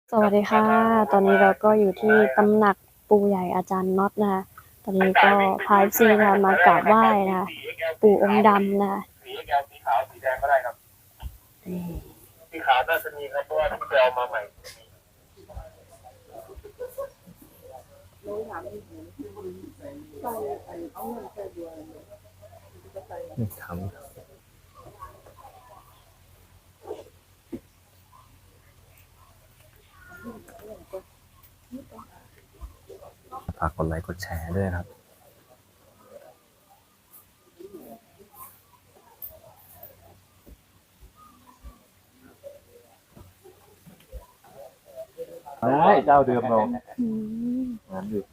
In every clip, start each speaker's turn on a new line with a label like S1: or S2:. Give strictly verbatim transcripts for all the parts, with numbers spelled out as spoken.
S1: สวัสดีค่ะ ตอนนี้เราก็อยู่ที่ตำหนักปู่ใหญ่อาจารย์น็อตนะคะตอนนี้ก็พา เอฟ ซี นะคะมากราบไหว้นะคะปู่องค์ดำนะคะ
S2: สีแก้วสีขาวสีแดงก็ได้ครับสีขาวน่าจะมีครับเพราะว่าที่ไปเอามาใหม่
S3: ทำฝากกดไลค์กดแชร์ด้วยนะครับ
S2: ได้เจ้าเดิมเรา
S1: อืม
S2: งานดึก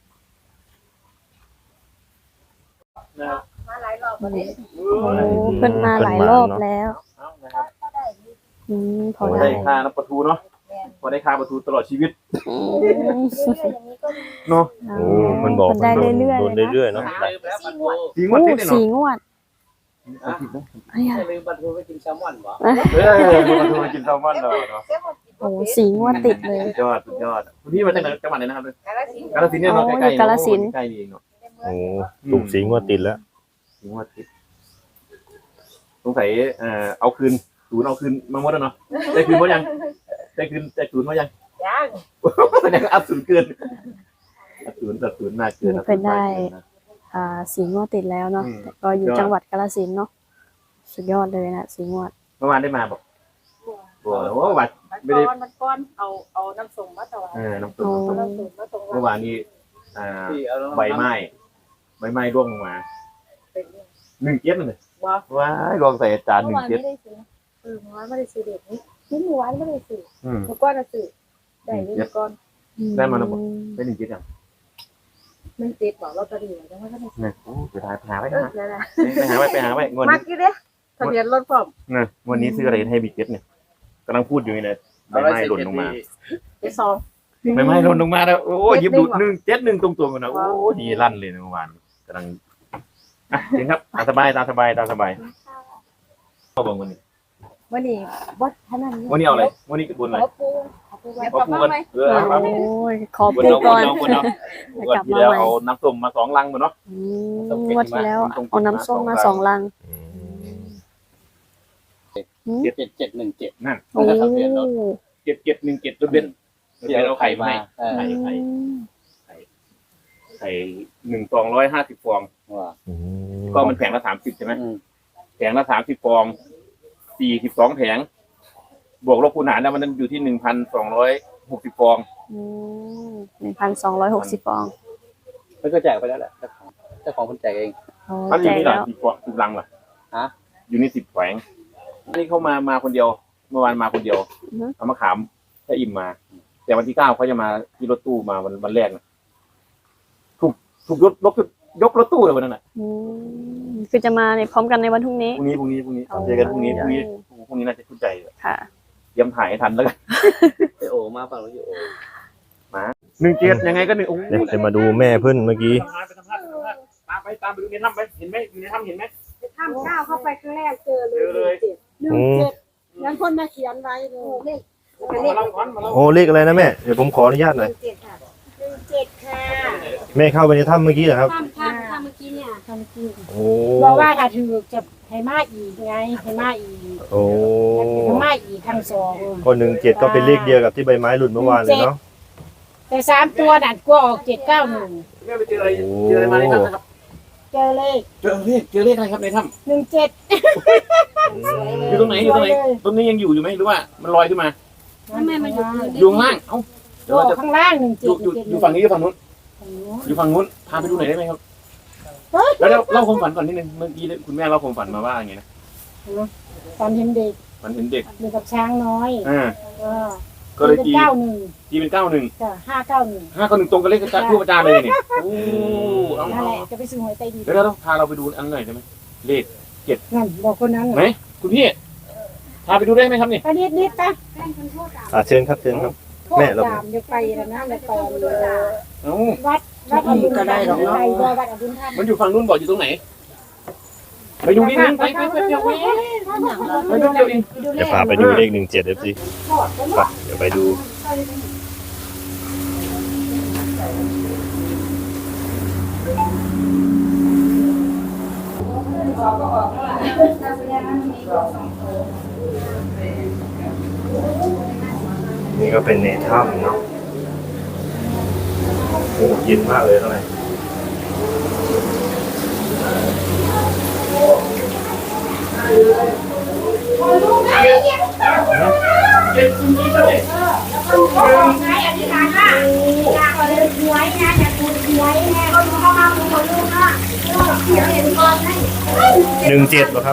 S4: มาหลายรอบ
S1: วันนี้
S2: โอ้
S1: โอ้เพิ่นมาหลายรอบแล้ว
S2: นะครับ
S1: อืมพ
S2: พ
S1: อ
S2: อ
S1: ได้
S2: ได้ค่าน้ำประตูเนาะพอได้ค่าประตูตลอดชีวิต
S1: อืม
S4: เรื่อยๆอย่างนี้ก็มี
S2: เนาะ
S3: โอ้มันบอก
S1: มันได้เรื่อยๆ
S3: โด
S1: เล
S3: น
S1: ยนะ
S3: เรื่อยๆเนาะ
S4: สี่งวด
S2: จริง
S1: โอ้
S2: ว่าติดเลย
S1: สี่
S2: เนาะ
S1: งวดอะไรอ่ะ
S5: ลืมปลาทูไปกินแซลมอนบ่
S2: เออมีประตูมากินแซลมอนเราเนาะ
S1: โอ้สี่งวดติดเลย
S2: สุดยอดสุดยอดคุณพี่มาจากไหนจังหวัดไหนนะครับ
S4: กาฬสินธุ์
S2: กาฬสินธุ์เนี่ยเนาะ
S1: โอ้
S2: ใกล้
S1: อยู่
S2: ๆ
S1: กาฬสินธุ์
S2: ใกล้นี่เองเนาะ
S3: โอ้ถูกสีงวดติดแล้ว
S2: จริงว่าติดสงสัยเอ่อเอาคืนศูนย์เอาคืนมาหมดแล้วเนาะได้คืนหมดยังได้คืนได้ศูนย์หมดยัง
S4: ยัง
S2: แสดงว่าอัพศูนย์เกินอัพศูนย์ตัดศูนย์มากเกิน
S1: นี่เป็นได้ อ่าสี่งวดติดแล้วเนาะ
S2: อืม
S1: แต่ก็อยู่จังหวัดกาฬสินธุ์เนาะสุดยอดเลยนะสี่งวด
S2: เมื่อวานได้มาบอกบัวโอ้วัด
S4: มัน
S2: ไม่ได้
S4: ก้อนมันก้อนเอาเอาน้ำส้มมาถวาย
S2: เออน้ำตกน้ำตก
S4: เอาน้ำส้มมาถวาย
S2: เมื่อวานนี้อ่า
S5: ที่เอาแล้ว
S2: ใบไม้ใบไม้ร่วงลงมา
S4: เป็น
S2: หนึ่งเจ็ดเลย
S4: ว่า
S2: ว้ายลองใส่อาจารย์ห
S4: เมื่
S2: นึ่
S4: อง วาน
S2: เจ็ด
S4: ไม่ได้ซื้อเออเมื่อวานไม่ได้ซื้อเด็กนี่นี่เมื่อวานไม่ได้ซื้อ
S2: อืม
S4: เมื่อก้อนน่ะซื้อได้นี่เมื่อก้อน
S2: ได้มาแล้วบอก ได้หนึ่งเจ็ดยัง
S4: มันติดบอกลอตเตอรี่จังว่าก็ได้ซื้อ
S2: เนี่ยโอ้ไปหาไปหาไว้
S4: เอ
S2: นะ
S4: อนั่นแหละ
S2: ไปหาไว้ไปหาไว้งวด
S4: มั
S2: นี้
S4: กกี่เด้ทะเบียนรถพร้อม
S2: นะงวันนี้ซื้ออะไรให้บิ๊กเจ็ดเนี่ยกำลังพูดอยู่นี่นะใบไม้หล่นลงมา
S4: ไปซอง
S2: ใบไม้หล่นลงมาแล้วโอ้ย
S4: เจ็
S2: ยิ
S4: ด
S2: บ
S4: หนึ่งเหรอ
S2: ดูหนึ่งเจ็ดหนึ่งตรงๆกันนะโอ้ดีลั่นเลยนะเมื่อวานกำลังอ่ะจริงครับตามสบายตามสบายตามสบายเข้าบังวันนี้
S4: วันนี้วัดท่านั้น
S2: วันนี้เอาอะไรวันนี้บนอะไร
S4: ขอปูขอปูไว้
S2: ขอ
S4: ขอ
S2: ปู
S4: ปู
S2: กัน
S4: ไหม
S2: เออครับ
S1: โอ้ยขอ
S2: วัน
S1: ปู
S2: เรา
S1: ก่อน
S2: เราวันเรา
S1: แล้ว
S2: วัน
S1: กลับ
S2: ที่
S1: มา
S2: แล้ว
S1: ใหม่
S2: เอาน้ำส้มมาสองลังมาเนาะ
S1: อืมงวดที่แล้วเอาน้ำส้มมาสองลัง
S3: อืม
S1: อืม
S5: เจ็ดเจ็ดเจ็ดหนึ่งเจ็ด
S2: นั่น
S1: โอ้
S5: ทะเบียนรถ
S2: เจ็ดเจ็ดหนึ่งเจ็ดรถเบนซ์รถเบนซ์เอาไข่มาให้
S5: เออ
S2: ไข่ไข่ไข่หนึ่งฟองร้อยห้าสิบฟอง
S5: ว่า
S3: อืม
S2: ก็มันแผงละสามสิบใช่ไหม
S5: อืม
S2: แผงละสามสิบฟองสี่สิบสองแผงบวกลบคูณหารแล้วมันอยู่ที่หนึ่งพันสองร้อยหกสิบฟอง
S1: หนึ่งพันสองร้อยหกสิบฟอง
S5: เพิ่งก็แจกไปแล้วแหละเจ้าของเจ้าของคนแจกเอง
S1: โอ้
S2: ถ้าอ
S1: แจ
S2: ยู่
S1: ก
S2: นี่หรอ
S1: แล้ว
S2: สิบฟองสิบลังเหรอ
S5: ฮะ
S2: อยู่นี่สิบแผงอันนี้เขามามาคนเดียว เมื่อวานมาคนเดียวเอามาขามถ้าอิ่มมา แต่วันที่เก้าเขาจะมาที่รถตู้มาวันวันแรกนะถูกถูกยกยกยกรถตู้เลยวันนั้นน่ะ
S1: อืมคือจะมาในพร้อมกันในวันพรุ่งนี้
S2: พรุ่งนี้พรุ่งนี้พรุ่งนี้เจอกันพรุ่งนี้พรุ่งนี้พรุ่งนี้น่าจะเข้าใจ
S1: ค่ะ
S2: เตรียมถ่ายให้ทันแล้วกัน
S5: ไอโอมาฝั่งนู้นอยู่โอ
S2: หนึ่งเจ็ดยังไงก็หนึ่งโอ้
S3: เดี๋ยวจะมาดูแม่เพิ่นเมื่อกี้
S2: ไปสัมภาษณ์ไปสัมภาษณ์ตามไปตามไปดูในถ้ำไปเห็นไหมอยู่ในถ้ำเห็นไหม
S4: ข้ามก้าวเข้าไปครั้งแรกเจอเล
S2: เจอเลย
S4: ยหนึ่งเจ็ดงั้นคนมาเขียนไว้เลย
S2: มาเล่าก่อนมาเล่า
S3: โอ้เลขอะไรนะแม่เดี๋ยวผมขออนุญาตหน่อย
S4: เจ็ดค่ะหนึ่งเจ็ดค่ะ
S3: แม่เข้าไปในถ้ำเมื่อกี้เหรอครับ
S4: ข้ามข้ามข้ามเมื่อกี้เนี่ยข้ามเมื่อกี้
S3: โอ้
S6: บอกว่าถ้าถือจะให้มาอีกไงให้มาอีก
S3: โอ้
S6: ให้มาอีกทั้งสอง
S3: คนหนึ่งเจ็ดก็เป็นเลขเดียวกับที่ใบไม้หลุดเมื่อวานเลยเนาะ
S6: แต่สามตัวนั่นกลัวออกเจ็ดเก้าหนึ่ง
S2: แม่ไปเจออะไรเจออะไรมาในถ้ำนะครับ
S6: เจอเลข
S2: เจอเลขเจอเลขอะไรครับในถ้
S6: หนึ่งเจ็ด
S2: ำอยู่ตรงไหนอยู่ตรงไหนตรงนี้ยังอยู่อยู่ไหมหรือว่ามันลอยขึ้นมา
S6: ทำไมมันอยู่
S2: อยู่ข้างล่างเอ้าเดี๋ยว
S6: อ
S2: เรา
S6: อก
S2: จะ
S6: ข้างล่างหนึ่ง
S2: อ
S6: เจ็ด
S2: ยู่อยู่อยู่ฝั่งนี้หรือฝั่งนู้นอยู่ฝั่งนู้นพาไปดูหน่อยได้ไหมครับแล้วเล่าความฝันก่อนนิดนึงเมื่อกี้คุณแม่เล่าความฝันมาว่าอย่างไงนะ
S6: ตอนเห็นเด็ก
S2: ฝันเห็นเด็ก
S6: อยู่กับช้างน้อย
S2: อ่า
S6: ก็
S2: ก็เลย
S6: เป็น
S2: ตี
S6: เก้าหนึ่ง
S2: ตีเป็นเก้าหนึ่ง
S6: จ้ะห้าเก้าหนึ่ง
S2: ห้าเก้าหนึ่งตรงกับเลขทูปอาจารย์เลยนี่โอ้เอา
S6: นั่นแหละจะไปซื้อหวยใต้ดิน
S2: เดี๋ยวเราพาเราไปดูอันหน่อยได้ไหมเลข
S6: นั่นบอกคนนั้น
S2: ไหนคุณพี่พาไปดูได้ไหมครับนี่
S6: ไปนิดนิดๆนะ
S3: อ่าเชิญครับเชิญครับ
S6: โทษ
S3: แม่เรา
S6: ตามเดี๋ยวไปแล้วนะเดี๋ยวไปเออ
S2: เอ้า
S6: วัดวัดอดุลธรรมไปว่าวัดอดุลธรรม
S2: มันอยู่ฝั่งนู้นบอกอยู่ตรงไหนไปดูนิดนึงไปไปไปเดี๋ยวไปไปดูเดี๋ยวเอง
S3: เดี๋ยวพาไปดูเลขหนึ่งเจ็ดเอฟซีเดี๋ยวไปดู
S6: ไป
S3: นี่ก็เป็นในถ้ำเนาะโอ้เย็นมากเลยข้างในหนึ่งเจ็ดเหรอครับ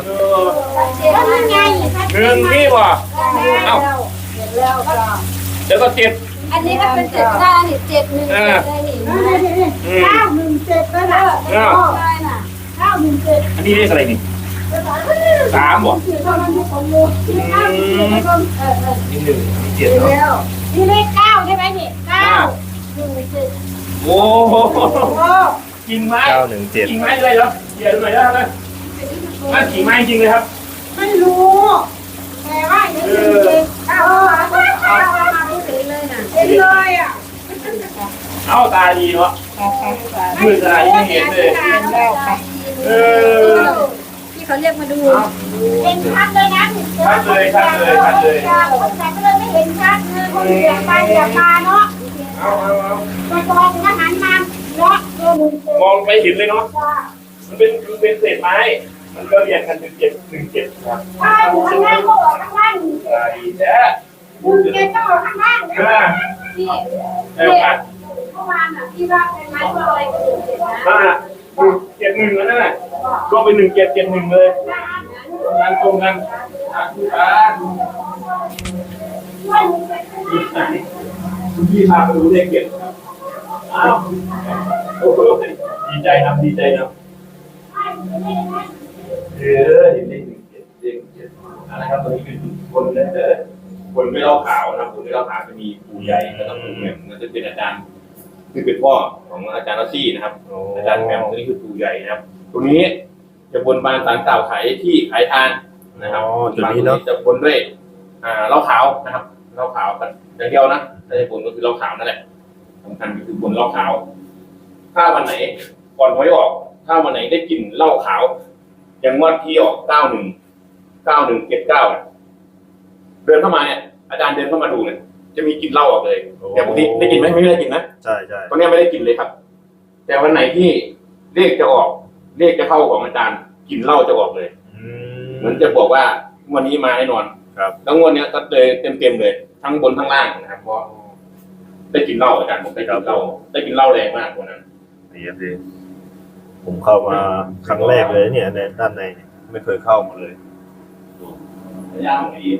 S2: หนึ่งพี่บ่เอ้าเดี๋ยวก็เจ็ด
S4: อันนี้ก็เป็นเจ็ดได้นี่เจ็ดหนึ่งเจ็ดได้นี่
S6: เก้าหนึ่งเจ็ดแล้วนะ
S2: เก้า
S4: ได้น่ะ
S6: เก้าหนึ่งเจ็ด
S2: อันนี้เลขอะไรนี่สามบ่
S6: สี่เท่านั้นที่ผมรู้ที่เก้าหนึ่งเจ็ดแล้วก็เออเออ
S3: นี่หนึ่งนี่เจ็ดเนาะ
S6: แล้วนี่เลขเก้าใช่ไหมนี่เก้า
S4: หนึ่งเจ็ด
S2: โอ้โห
S6: โอ้
S2: จริงไหม
S3: เก้าหนึ่งเจ็ด
S2: จริงไหมเลยเหรอเดี๋ยวหน่อยนะเลยนั่นจริงไหมจริงเลยครับ
S6: ไม่รู้แต่ว่าอย่างนี้เจ็ดเก้าเก้าเก้าเก้ามาไม่ถึงเลยน่ะเห็นเลยอ่ะ
S2: เอาตาดีเนาะมือตาดีไม่เห็นเลยเออ
S4: ที่เขาเรียกมาดู
S6: เห็นชัดเลยนะ
S2: ชัดเลยชัดเลยชัดเลย
S6: คนแต่ก็เลยไม่เห็นชัดเลยคนเหยียบไปเหยียบมาเนาะ
S2: เอาเอาเอา
S6: ตัวตองก็หันมาเนาะตัวหนึ่งเจ็ด
S2: มองไปเห็นเลยเนาะมันเป็นมันเป็นเศษไม้มันก็เรียงกันเป็นเจ็ดหนึ่งเจ็ดครับ
S6: ใช่ข้างล่างก็ออกข้างล่าง
S2: ตาดีแท้
S6: หนึ่งเจ็ดก็ออกข้างล่าง
S2: เออ
S6: ที่
S2: ได้โอกาส
S6: เมื่อวานอ่ะที่ว่าเป็นไม้ตัวอะไรก็หนึ่งเจ็ดนะ
S2: อ่าเจ็ดหนึ่งแล้วนั่นแหละก็เป็นหนึ่งเจ็ดเจ็ดหนึ่งเลยงานตรงกันอ่ะคุณตาคุณพี่พาไปดูเลขเจ็ดอ้าวโอ้โหดีใจนะดีใจนะเออเห็นเลขหนึ่งเจ็ดเลขเจ็ดนะครับตอนนี้เป็นคนนะเออคนไม่เล่าขาวนะคนไม่เล่าขาวจะมีปู่ใหญ่แล้วก็ปู่แหม่มนั่นจะเป็นอาจารย์คือเป็นพ่อของอาจารย์รัชชี่นะครับ อาจารย์แหม่มตัวนี้คือปู่ใหญ่นะครับตัวนี้จะบนบานสารกล่าวขายที่ขายทานนะครับ
S3: อ๋อตัวนี้เนาะ
S2: จะบนด้วยอ่าเหล้าขาวนะครับเหล้าขาวกันอย่างเดียวนะถ้าจะบนก็คือเหล้าขาวนั่นแหละสำคัญก็คือบนเหล้าขาว ถ้าวันไหนก่อนหวยออก ถ้าวันไหนได้กลิ่นเหล้าขาวอย่างงวดที่ออกเก้าหนึ่งเก้าหนึ่งเจ็ดเก้าเดินเข้ามาเนี่ยอาจารย์เดินเข้ามาดูเนี่ยจะมีกลิ่นเหล้าออกเลยแต่ปกติได้กลิ่นไหมไม่ได้กลิ่นนะ
S3: ใช่ใช่
S2: ตอนนี้ไม่ได้กลิ่นเลยครับ แต่วันไหนที่เลขจะออกเลขจะเข้าของอาจารย์กลิ่นเหล้าจะออกเลย
S3: อื
S2: เหมือนจะบอกว่าวันนี้มาแน่นอน
S3: ครับ
S2: แล้วงวดเนี้ยก็เลยเต็มเต็มๆเลยทั้งบนทั้งล่างนะครับเพราะได้กินเหล้าอาจารย์ผมได้กินเหล้าได้กินเหล้าแรงมากวันนั้น
S3: ดีครับดีผมเข้ามาครั้งแรกเลยเนี่ยในด้านในเนี่ยไม่เคยเข้ามาเลย
S2: ระยะของดี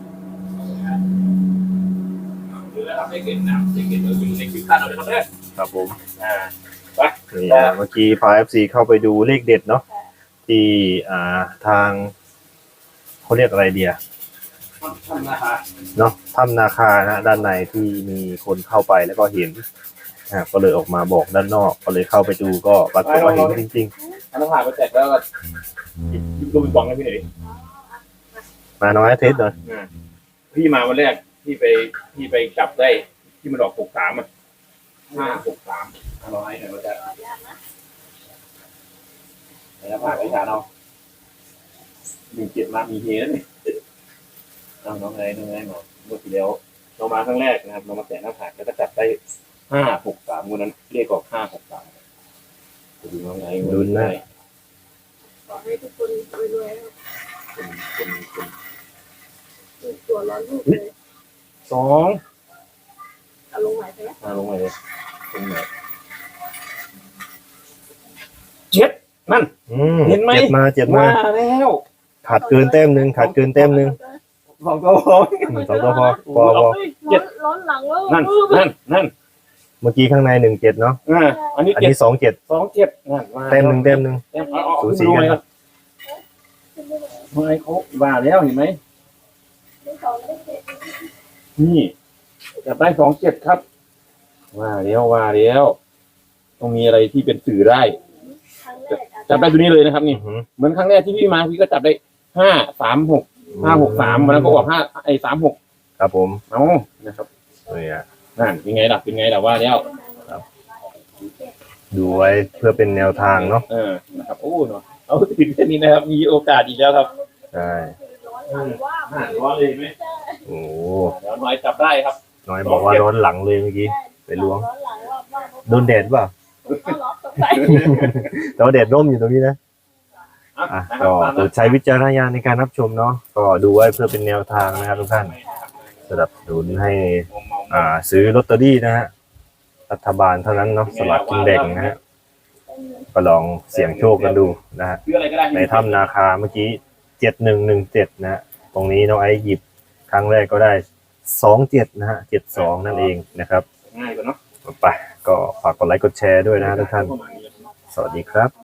S2: ดูแล้วครับได้เกินนะได้เกินเราอยู่ในคลิปขั้นเราเลยครับเนี่ย
S3: ครับผม
S2: อ่า
S3: นี่นะเมื่อกี้พาเอฟซีเข้าไปดูเลขเด็ดเนาะที่อ่าทางเขาเรียกอะไรเดีย
S2: ทำนะคะ
S3: เนาะถ้ำนาคานะด้านในที่มีคนเข้าไปแล้วก็เห็นอ่าก็เลยออกมาบอกด้านนอกก็เลยเข้าไปดูก็ปรากฏว่าเห็นจริง
S2: อันนั้นผ่านไปแจกแล้วก็ยิบลูกปิงปองให้พี่หน่อยดิ
S3: ๆมาน้อยเทสหน่อย
S2: อ่าพี่มาวันแรกพี่ไปพี่ไปจับได้ที่มันออกหกสามอ่ะห้าหกสามอร่อยหน่อยก็จะแล้วผ่านไปทานเอาหนึ่งเจ็ดมามีเฮแล้วนี่เอาน้องไงน้องไงมาเมื่อที่แล้วเรามาครั้งแรกนะครับเรามาแตะหน้าผากแล้วก็จับได้ห้าหกสามวันนั้นเรียกออกห้าหกสามดูน้องไง
S3: ลุ้นนะ
S6: ขอให้ทุกคนรวย
S2: คนคนคน
S6: ๆตัวร้อนลูกเลย
S2: สอง
S6: เอาลงไหวไปแล้ว
S2: มาลงมาเลยตรงไหนเจ็ดนั่น
S3: อืม
S2: เห็นไหม
S3: เจ็บมาเจ็บมา
S2: มาแล้ว
S3: ขาดเกินแต้มหนึ่งขาดเกินแต้มหนึ่ง
S2: สองตัวพอ
S3: อืมสองตัวพอพอพอ
S2: เจ็ด
S6: ร้อนหลังแล้ว
S2: นั่นนั่นนั่น
S3: เมื่อกี้ข้างในหนึ่งเจ็ดเนาะ
S2: อ่าอันนี้
S3: อัน
S2: เจ็ด
S3: นี้สองเจ็ด
S2: สองเจ็ดนั่นมา
S3: แต้มหนึ่งแต้มหนึ่ง
S2: แต้มเอาเอา
S3: สูสี
S2: ดู
S3: กัน
S2: เลยครับไม่เขาว่าแล้วเห็นไหมนี่จับได้สองเจ็ดครับว่าแล้วว่าแล้วต้องมีอะไรที่เป็นสื่อได้จับได้ตัวนี้เลยนะครับ นี่
S3: อือหือ
S2: เหมือนครั้งแรกที่พี่มาพี่ก็จับได้ห้าสามหกห้าหกสามวันนั้นก็ออกห้าไอ้สามหก
S3: ครับผม
S2: เอานะครับ
S3: เนี่ย
S2: นั่นเป็นไงล่ะเป็นไงล่ะว่าแล้ว
S3: ดูไว้เพื่อเป็นแนวทางเนาะ
S2: เออนะครับโอ้เนาะเอาถึงแค่นี้นะครับ มีโอกาสอีกแล้วครับ
S3: ใช่
S2: น่าร้อนเลยไหม
S3: โอ้
S2: เดี๋ยวน้อยจับได้ครับ
S3: น้อยบอกว่าร้อนหลังเลยเมื่อกี้ไปล้วงโดนแดดเปล่าแต่ว่าแดดร่มอยู่ตรงนี้นะ
S2: อ่ะ
S3: อ่ะ
S2: นะค
S3: ก็
S2: รับ
S3: โปรดใช้วิจารณญาณในการรับชมเนาะก็ดูไว้เพื่อเป็นแนวทางนะครับทุกท่านสำหรับสนุนให้อ่าซื้อลอตเตอรี่นะฮะรัฐบาลเท่านั้นเนาะสลากกินแบ่งนะฮะก็ลองเสี่ยงโชคกันดูนะฮะ
S2: ซื้ออะไรก็ได้
S3: ในถ้ำนาคาเมื่อกี้เจ็ดหนึ่งหนึ่งเจ็ดนะฮะตรงนี้น้องไอซ์หยิบครั้งแรกก็ได้สองเจ็ดนะฮะเจ็ดสองนั่นเองนะครับ
S2: ง่ายกว่าเนาะ
S3: ไปก็ฝากกดไลค์กดแชร์ด้วยนะฮะทุกท่าน สวัสดีครับ